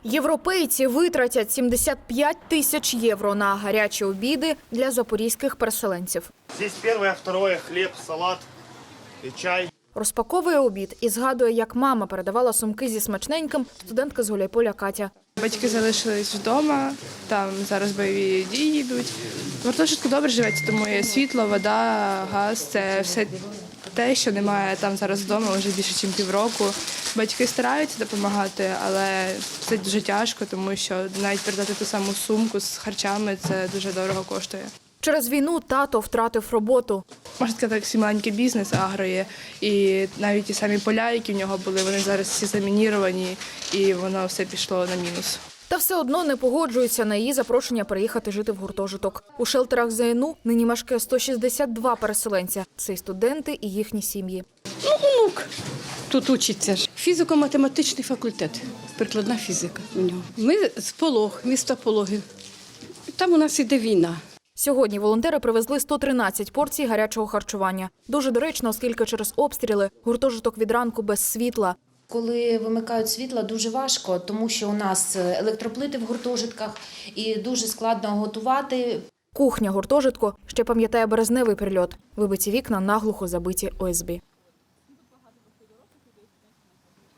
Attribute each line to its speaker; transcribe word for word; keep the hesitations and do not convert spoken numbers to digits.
Speaker 1: Європейці витратять сімдесят п'ять тисяч євро на гарячі обіди для запорізьких переселенців.
Speaker 2: Здесь первое, второе, хлеб, салат и чай.
Speaker 1: Розпаковує обід і згадує, як мама передавала сумки зі смачненьким студентка з Гуляйполя Катя.
Speaker 3: Батьки залишились вдома, там зараз бойові дії йдуть. В гуртожитку добре живеться, тому є світло, вода, газ – це все те, що немає там зараз вдома вже більше, ніж півроку. Батьки стараються допомагати, але це дуже тяжко, тому що навіть передати ту саму сумку з харчами – це дуже дорого коштує.
Speaker 1: Через війну тато втратив роботу.
Speaker 3: Можна сказати, як маленький бізнес агро є. І навіть ті самі поля, які в нього були, вони зараз всі замініровані, і воно все пішло на мінус.
Speaker 1: Та все одно не погоджується на її запрошення переїхати жити в гуртожиток. У шелтерах ЗНУ нині мешкає сто шістдесят два переселенця. Це й студенти, і їхні сім'ї.
Speaker 4: Ну, онук тут учиться ж. Фізико-математичний факультет, прикладна фізика у нього. Ми з Полог, міста Пологи. Там у нас іде війна.
Speaker 1: Сьогодні волонтери привезли сто тринадцять порцій гарячого харчування. Дуже доречно, оскільки через обстріли гуртожиток від ранку без світла.
Speaker 5: Коли вимикають світло, дуже важко, тому що у нас електроплити в гуртожитках і дуже складно готувати.
Speaker 1: Кухня гуртожитку ще пам'ятає березневий прильот. Вибиті вікна наглухо забиті О С Б.